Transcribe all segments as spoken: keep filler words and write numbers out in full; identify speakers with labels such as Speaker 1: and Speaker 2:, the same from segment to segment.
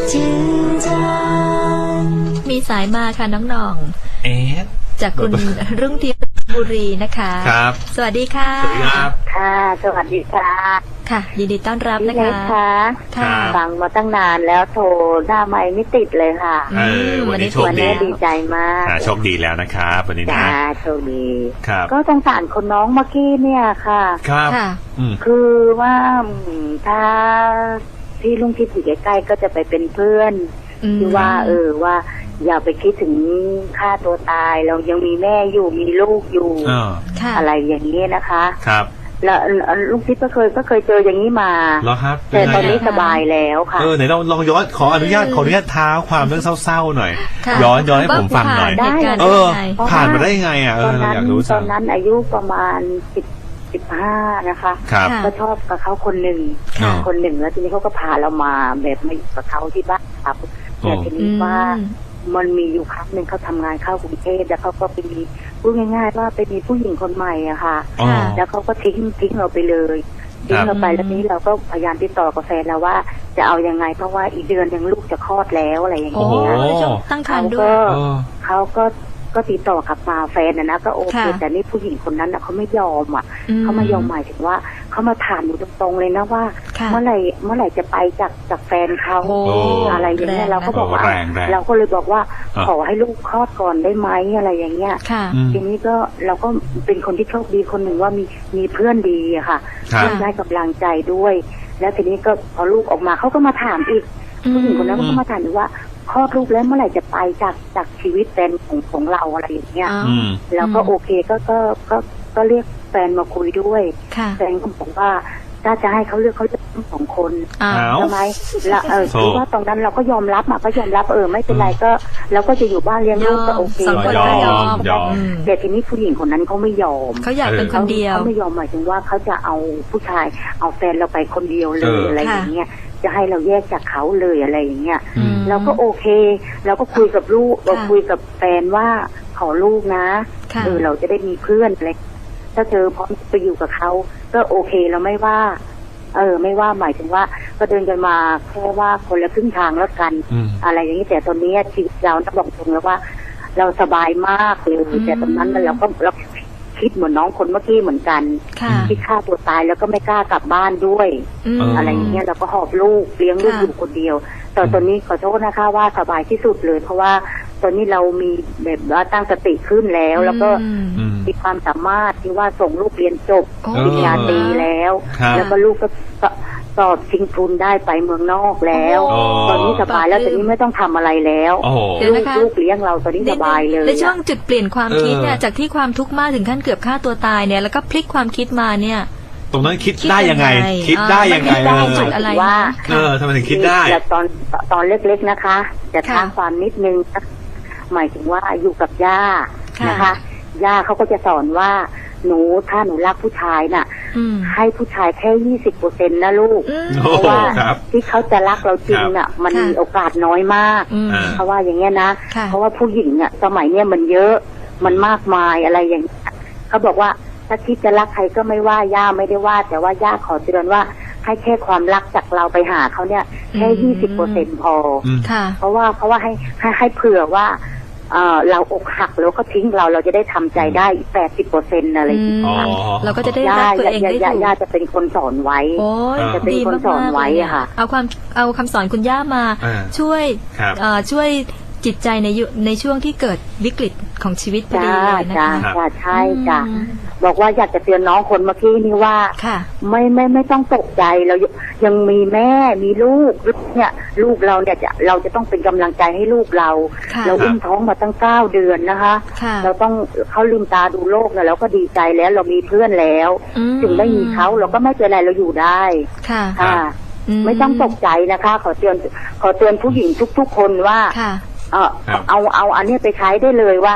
Speaker 1: 紧张มีสายมาค่ะน้องหน่อง
Speaker 2: เอ๊ะ
Speaker 1: จากคุณรุ่งทิพย์บุรีนะคะ
Speaker 2: ครับ
Speaker 1: สวัสดีค่ะ
Speaker 2: สวัสดีครับ
Speaker 3: ค่ะสวัสดีค่ะ
Speaker 1: ค่ะยินดีต้อนรับนะคะ
Speaker 3: ค่ะฟังมาตั้งนานแล้วโทรหน้าไมค์ไม่ติดเลยค่ะ
Speaker 2: เออวันนี้โชคดี
Speaker 3: ดีใจมาก
Speaker 2: โชคดีแล้วนะครับวันนี้นะ
Speaker 3: โชคดี
Speaker 2: ครับ
Speaker 3: ก็สงสารคนน้องเมื่อกี้เนี่ยค่ะ
Speaker 2: ครับ
Speaker 3: คือว่าถ้าพี่ลุงที่อยู่ใกล้ๆก็จะไปเป็นเพื่อนที่ว่าเออว่าอย่าไปคิดถึงฆ่าตัวตายเรายังมีแม่อยู่มีลูกอยู่อะไรอย่างนี้นะคะ
Speaker 2: ครับ
Speaker 3: แล้วลุงทิพย์ก็เคยก็เคยเจออย่างนี้มา
Speaker 2: แล้วครับ
Speaker 3: แต่ตอนนี้สบายแล้วค่ะ
Speaker 2: เออไหนลองลองย้อนขออนุญาตขออนุญาตท้าความเรื่องเศร้าๆหน่อยย้อนย้อนให้ผมฟังหน่อยเออผ่านมาได้ยังไงอ่ะเอออยากรู้
Speaker 3: ตอนนั้นอายุประมาณสิบสิบห้านะคะก็ชอบกับเขาคนหนึ่งคนหนึ่งแล้วทีนี้เขาก็พาเรามาแบบมาอยู่กับเขาที่บ้านครับแต่ทีนี้ว่ามันมีอยู่ครั้งหนึ่งเขาทำงานเข้ากรุงเทพแล้วเขาก็ไปมีพูดง่ายๆว่าไปมีผู้หญิงคนใหม่อะค่ะแล้วเขาก็ทิ้งทิ้งเราไปเลยทิ้งเราไปแล้วนี้เราก็พยายามติดต่อกับแฟนแล้วว่าจะเอายังไงเพราะว่าอีกเดือนยังลูกจะคลอดแล้วอะไรอย่างเงี้ย
Speaker 1: ตั้งครรภ์
Speaker 3: ด้วยเขาก็ก็ติดต่อกลับมาแฟนนะนะก็โอเคแต่นี่ผู้หญิงคนนั้นเขาไม่ยอมอ่ะเขาไม่ยอมหมายถึงว่าเขามาถามอยู่ตรงๆเลยนะว่าเมื่อไหร่เมื่อไหร่จะไปจากจากแฟนเขาอะไรอย่างเงี้ยเราก็บอกว่าเราก็เลยบอกว่าขอให้ลูกคลอดก่อนได้ไหมอะไรอย่างเงี้ยทีนี้ก็เราก็เป็นคนที่โชคดีคนหนึ่งว่ามีมีเพื่อนดีอะค่ะเพื่อนได้กำลังใจด้วยแล้วทีนี้ก็พอลูกออกมาเขาก็มาถามอีกผู้หญิงคนนั้นก็มาถามอีกว่าคลอดลูกแล้วเมื่อไหร่จะไปจากจากชีวิตแฟนของของเราอะไรอย่างเงี้ยแล้วก็โอเคก็ก็ก็ก็เรียกแฟนมาคุยด้วยแฟนก็บอกว่าถ้าจะให้เขาเลือกเขาจะทั้งสองคนใช่ไหมแล้วเออคือว่าตรงนั้นเราก็ยอมรับมาก็ยอมรับเออไม่เป็นไรก็เราก็จะอยู่บ้านเลี้ยงลูกก็โอเค
Speaker 2: ยอมยอม
Speaker 3: แต่ทีนี้ผู้หญิงคนนั้นเขาไม่ยอม
Speaker 1: เขาอยากเป็นคนเดียว
Speaker 3: เขาไม่ยอมหมายถึงว่าเขาจะเอาผู้ชายเอาแฟนเราไปคนเดียวเลยอะไรอย่างเงี้ยจะให้เราแยกจากเขาเลยอะไรอย่างเงี้ยเราก็โอเคเราก็คุยกับลูกเราคุยกับแฟนว่าขอลูกนะเออเราจะได้มีเพื่อนอะไรถ้าเธอพร้อมไปอยู่กับเขาก็โอเคเราไม่ว่าเออไม่ว่าหมายถึงว่าก็เดินกันมาแค่ว่าคนละครึ่งทางแล้วกันอะไรอย่างนี้แต่ตอนนี้ชีวิตเราต้องบอกตรงแล้วว่าเราสบายมากเลยแต่ตอนนั้นเราก็เราคิดเหมือนน้องคนเมื่อกี้เหมือนกันที่ฆ่าตัวตายแล้วก็ไม่กล้ากลับบ้านด้วยอะไรอย่างเงี้ยเราก็หอบลูกเลี้ยงลูกอยู่คนเดียวแต่ตอนนี้ขอโทษนะคะว่าสบายที่สุดเลยเพราะว่าตอนนี้เรามีแบบว่าตั้งสติขึ้นแล้วแล้วก็มีความสามารถที่ว่าส่งลูกเรียนจบปริญญาตรีแล้วแล้วก็ลูกก็สอบชิงทุนได้ไปเมืองนอกแล้วตอนนี้สบายแล้วตอนนี้ไม่ต้องทำอะไรแล้วลูกลูกเลี้ยงเราตอนนี้สบายเลย
Speaker 1: ในช่วงจุดเปลี่ยนความคิดเนี่ยจากที่ความทุกข์มากถึงขั้นเกือบฆ่าตัวตายเนี่ยแล้วก็พลิกความคิดมาเนี่ย
Speaker 2: ตรงนั้นคิดได้ยังไงคิดได้ยังไง
Speaker 3: ได้จุดอะไรว่า
Speaker 2: เออทำไมถึงคิดได้
Speaker 3: ตอนตอนเล็กๆนะคะจะท้าความนิดนึงหมายถึงว่าอยู่กับย่านะคะย่าเขาก็จะสอนว่าหนูถ้าหนูรักผู้ชายน่ะให้ผู้ชายแค่ยี่สิบเปอร์เซ็นต์นะลูกเพราะว่าที่เขาจะรักเราจริงน่ะมันมีโอกาสน้อยมากเพราะว่าอย่างเงี้ยนะเพราะว่าผู้หญิงอ่ะสมัยเนี้ยมันเยอะมันมากมายอะไรอย่างเขาบอกว่าถ้าคิดจะรักใครก็ไม่ว่าย่าไม่ได้ว่าแต่ว่าย่าขอเตือนว่าให้แค่ความรักจากเราไปหาเขาเนี่ยแค่ยี่สิบเปอร์เซ็นต์พอเพราะว่าเพราะว่าให้ให้ให้เผื่อว่าเออเราอกหักแล้วก็ทิ้งเราเราจะได้ทำใจได้แปดสิบเปอร์เซ็นต์อะไรอย่างเงี้ย
Speaker 1: เราก็จะได้รักตัวเองได้ถูก
Speaker 3: ย่าจะเป็นคนสอนไว้จะเป็นคนสอนไว้อะค่ะ
Speaker 1: เอาความเอาคำสอนคุณย่ามาช่วยช่วยจิตใจในในช่วงที่เกิดวิกฤตของชีวิตพอดีเลยนะคะ
Speaker 3: ใช่จ้ะบอกว่าอยากจะเตือนน้องคนเมื่อกี้นี่ว่าไม่ไม่ไม่ต้องตกใจเรายังมีแม่มีลูกเนี่ยลูกเราเนี่ยจะเราจะต้องเป็นกำลังใจให้ลูกเราเราอุ้มท้องมาตั้งเก้าเดือนนะคะเราต้องเขาลืมตาดูโลกแล้วเราก็ดีใจแล้วเรามีเพื่อนแล้วถึงไม่มีเขาเราก็ไม่เป็นไรเราอยู่ได้ค่ะไม่ต้องตกใจนะคะขอเตือนขอเตือนผู้หญิงทุกๆคนว่าเออเอาเอาอันนี้ไปใช้ได้เลยว่า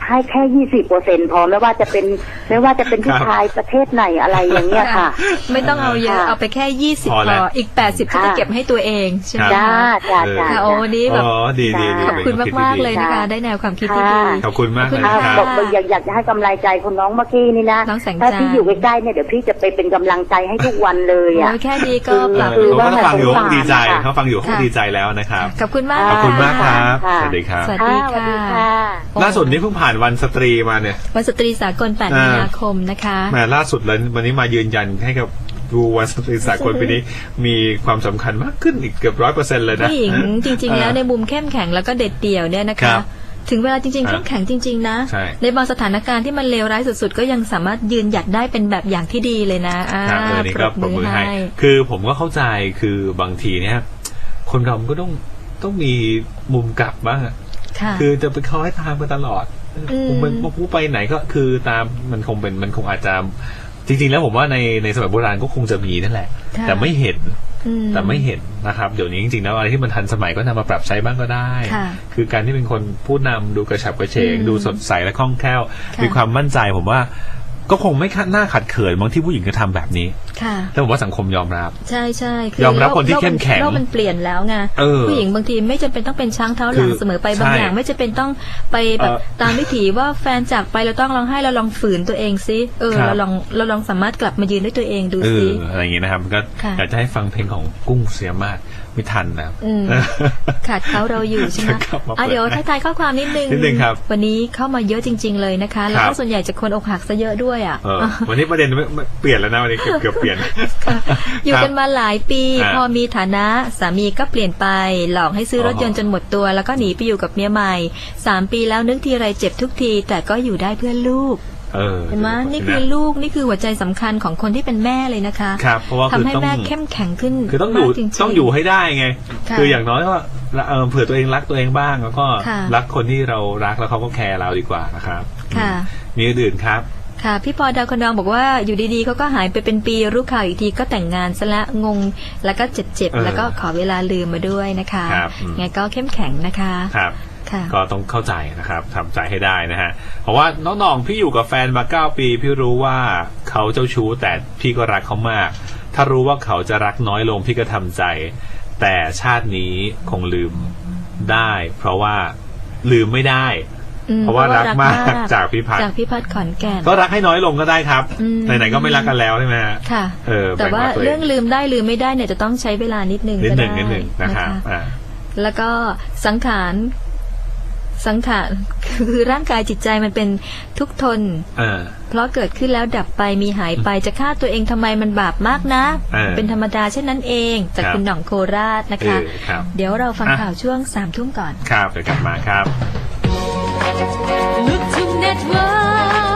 Speaker 3: ให้แค่ยี่สิบเปอร์เซ็นพอไม่ว่าจะเป็นไม่ว่าจะเป็นผู้ชายประเทศไหนอะไรอย่างเงี้ยค่ะ
Speaker 1: ไม่ต้องเอาเยอะเอาไปแค่ยี่สิบพออีกแปดสิบก็จะเก็บให้ตัวเองใช่ไหม
Speaker 3: จ้าจ้าจ้า
Speaker 1: โอ้นี้แบบ
Speaker 2: ดีดี
Speaker 1: ขอบคุณมากๆเลยนะคะได้แนวความคิดที่ดี
Speaker 2: ขอบคุณมากเลย
Speaker 3: ครับบอกอยากอยากจะให้กำลังใจคุณน้องเมื่อกี้นี่นะถ้าพี่อยู่ใกล้ๆเนี่ยเดี๋ยวพี่จะไปเป็นกำลังใจให้ทุกวันเลยอ่ะ
Speaker 1: แค่นี้ก็ปรับ
Speaker 2: คือว่าฟังอยู่ดีใจเขาฟังอยู่เขาดีใจแล้วนะครับ
Speaker 1: ขอบคุณมาก
Speaker 2: ขอบคุณมากครับสวัสดีครับ
Speaker 1: สวัสดีค่ะ
Speaker 2: ล่าสุดนี้เพิ่งผ่านวันสตรีมาเนี่ย
Speaker 1: วันสตรีสากลแปดมีนาคมนะคะ
Speaker 2: แหมล่าสุดเลยวันนี้มายืนยันให้กับดูวันสตรีสากลปีนี้มีความสำคัญมากขึ้นอีกเกือบร้อยเปอร์เซ็นต์เลยนะ
Speaker 1: ผู้หญิงจริงๆแล้วในมุมเข้มแข็งแล้วก็เด็ดเดี่ยวเนี่ยนะคะถึงเวลาจริงๆเข้มแข็งจริงๆนะในบางสถานการณ์ที่มันเลวร้ายสุดๆก็ยังสามารถยืนหยัดได้เป็นแบบอย่างที่ดีเลยนะอ่า
Speaker 2: ปรบมือให้คือผมก็เข้าใจคือบางทีเนี่ยคนเราก็ต้องต้องมีมุมกลับบ้างคือจะไปคอยตามกันตลอดมันผู้ไปไหนก็คือตามมันคงเป็นมันคงอาจจะจริงๆแล้วผมว่าในในสมัยโบราณก็คงจะมีนั่นแหละแต่ไม่เห็นแต่ไม่เห็นนะครับเดี๋ยวนี้จริงๆแล้วอะไรที่มันทันสมัยก็นำมาปรับใช้บ้างก็ได้คือการที่เป็นคนผู้นำดูกระฉับกระเฉงดูสดใสและคล่องแคล่วมีความมั่นใจผมว่าก็คงไม่น่าขัดเขินบางที่ผู้หญิงก็ทำแบบนี้แล้วผมว่าสังคมยอมรับ
Speaker 1: ใช่ใช่
Speaker 2: ยอมรับคนที่เข้มแข็ง
Speaker 1: โลกมันเปลี่ยนแล้วไงผู้หญิงบางทีไม่จำเป็นต้องเป็นช้างเท้าหลังเสมอไปบางอย่างไม่จำเป็นต้องไปแบบตามวิถีว่าแฟนจากไปเราต้องร้องไห้เราลองฝืนตัวเองซิเออเราลองเราลองสามารถกลับมายืนด้วยตัวเองดูซิ
Speaker 2: อะไรอย่างนี้นะครับก็อยากจะให้ฟังเพลงของกุ้งเสียมากไม่ทันนะ
Speaker 1: ขาดเขาเราอยู่ใช่ไหมอ่ะเดี๋ยวท้ายๆข้อความนิดนึงวันนี้เข้ามาเยอะจริงๆเลยนะคะแล้วก็ส่วนใหญ่จะคนอกหักซะเยอะด้วยอ่ะ
Speaker 2: วันนี้ประเด็นเปลี่ยนแล้วนะวันนี้เกือบเปลี่ยน
Speaker 1: อยู่กันมาหลายปีพอมีฐานะสามีก็เปลี่ยนไปหลอกให้ซื้อรถยนต์จนหมดตัวแล้วก็หนีไปอยู่กับเมียใหม่สามปีแล้วนึกทีไรเจ็บทุกทีแต่ก็อยู่ได้เพื่อลูกเห็นไหมนี่คือลูกนี่คือหัวใจสำคัญของคนที่เป็นแม่เลยนะคะ
Speaker 2: ครับเพราะว่า
Speaker 1: ทำให้แม่เข้มแข็งขึ้น
Speaker 2: คือต้องอยู่ต้องอยู่ให้ได้ไงคืออย่างน้อยก็เผื่อตัวเองรักตัวเองบ้างแล้วก็รักคนที่เรารักแล้วเขาก็แคร์เราดีกว่านะครับมีอื่นครับ
Speaker 1: ค่ะพี่พอดาวคนดองบอกว่าอยู่ดีๆเขาก็หายไปเป็นปีรู้ข่าวอีกทีก็แต่งงานซะละงงแล้วก็เจ็บๆแล้วก็ขอเวลาลืมมาด้วยนะคะไงก็เข้มแข็งนะคะ
Speaker 2: ครับก็ต้องเข้าใจนะครับทำใจให้ได้นะฮะเพราะว่าน้องๆพี่อยู่กับแฟนมาเก้าปีพี่รู้ว่าเขาเจ้าชู้แต่พี่ก็รักเขามากถ้ารู้ว่าเขาจะรักน้อยลงพี่ก็ทำใจแต่ชาตินี้คงลืมได้เพราะว่าลืมไม่ได้เพราะว่ารักมากจากพี่พัฒน์
Speaker 1: จากพี่พัฒน์ขอนแก่น
Speaker 2: ก็รักให้น้อยลงก็ได้ครับไหนๆก็ไม่รักกันแล้วใช่ไหม
Speaker 1: ค่ะแต่ว่าเรื่องลืมได้ลืมไม่ได้เนี่ยจะต้องใช้เวลานิดนึง
Speaker 2: นิดนึงนิดนึงนะครับ
Speaker 1: แล้วก็สังขารสังขารคือร่างกายจิตใจมันเป็นทุกทนเพราะเกิดขึ้นแล้วดับไปมีหายไปจะฆ่าตัวเองทำไมมันบาปมากนะเป็นธรรมดาเช่นนั้นเองจากคุณหน่องโคราชนะคะเดี๋ยวเราฟังข่าวช่วงสามทุ่มก่อน
Speaker 2: ครับเดี๋ยวกลับมาครับ
Speaker 4: Look to Network